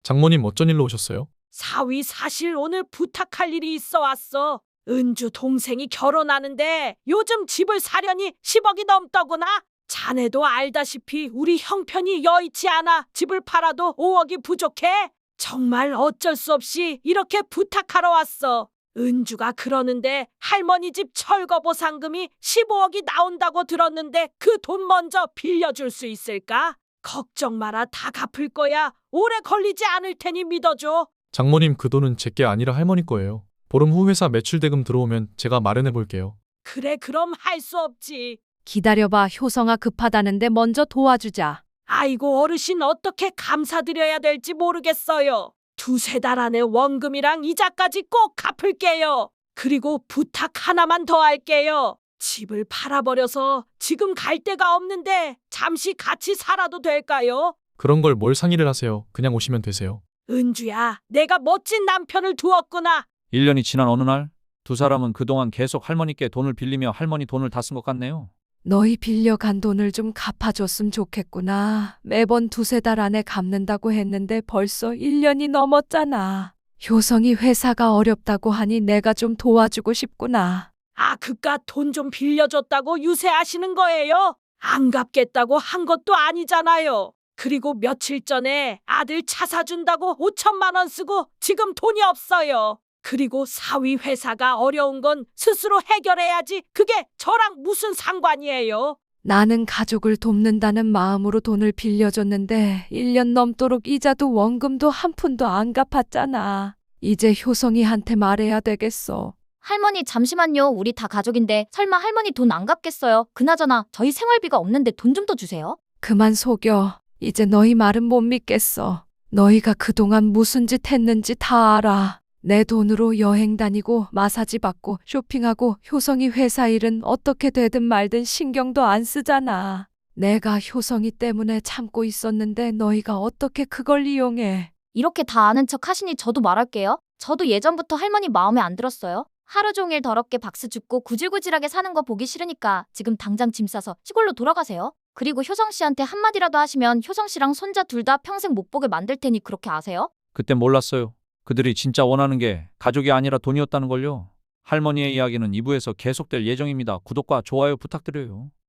장모님 어쩐 일로 오셨어요? 사위 사실 오늘 부탁할 일이 있어 왔어. 은주 동생이 결혼하는데 요즘 집을 사려니 10억이 넘더구나. 자네도 알다시피 우리 형편이 여의치 않아 집을 팔아도 5억이 부족해. 정말 어쩔 수 없이 이렇게 부탁하러 왔어. 은주가 그러는데 할머니 집 철거 보상금이 15억이 나온다고 들었는데 그 돈 먼저 빌려줄 수 있을까? 걱정 마라, 다 갚을 거야. 오래 걸리지 않을 테니 믿어줘. 장모님 그 돈은 제게 아니라 할머니 거예요. 보름 후 회사 매출 대금 들어오면 제가 마련해 볼게요. 그래, 그럼 할 수 없지. 기다려봐. 효성아, 급하다는데 먼저 도와주자. 아이고, 어르신 어떻게 감사드려야 될지 모르겠어요. 두세 달 안에 원금이랑 이자까지 꼭 갚을게요. 그리고 부탁 하나만 더 할게요. 집을 팔아버려서 지금 갈 데가 없는데 잠시 같이 살아도 될까요? 그런 걸 뭘 상의를 하세요. 그냥 오시면 되세요. 은주야, 내가 멋진 남편을 두었구나. 1년이 지난 어느 날 두 사람은 그동안 계속 할머니께 돈을 빌리며 할머니 돈을 다 쓴 것 같네요. 너희 빌려간 돈을 좀 갚아줬으면 좋겠구나. 매번 두세 달 안에 갚는다고 했는데 벌써 1년이 넘었잖아. 효성이 회사가 어렵다고 하니 내가 좀 도와주고 싶구나. 아, 그깟 돈 좀 빌려줬다고 유세하시는 거예요? 안 갚겠다고 한 것도 아니잖아요. 그리고 며칠 전에 아들 차 사준다고 5천만 원 쓰고 지금 돈이 없어요. 그리고 사위 회사가 어려운 건 스스로 해결해야지. 그게 저랑 무슨 상관이에요? 나는 가족을 돕는다는 마음으로 돈을 빌려줬는데 1년 넘도록 이자도 원금도 한 푼도 안 갚았잖아. 이제 효성이한테 말해야 되겠어. 할머니 잠시만요. 우리 다 가족인데 설마 할머니 돈 안 갚겠어요? 그나저나 저희 생활비가 없는데 돈 좀 더 주세요. 그만 속여. 이제 너희 말은 못 믿겠어. 너희가 그동안 무슨 짓 했는지 다 알아. 내 돈으로 여행 다니고 마사지 받고 쇼핑하고 효성이 회사 일은 어떻게 되든 말든 신경도 안 쓰잖아. 내가 효성이 때문에 참고 있었는데 너희가 어떻게 그걸 이용해. 이렇게 다 아는 척 하시니 저도 말할게요. 저도 예전부터 할머니 마음에 안 들었어요. 하루 종일 더럽게 박수 줍고 구질구질하게 사는 거 보기 싫으니까 지금 당장 짐 싸서 시골로 돌아가세요. 그리고 효성 씨한테 한마디라도 하시면 효성 씨랑 손자 둘 다 평생 못 보게 만들 테니 그렇게 아세요? 그땐 몰랐어요. 그들이 진짜 원하는 게 가족이 아니라 돈이었다는 걸요. 할머니의 이야기는 2부에서 계속될 예정입니다. 구독과 좋아요 부탁드려요.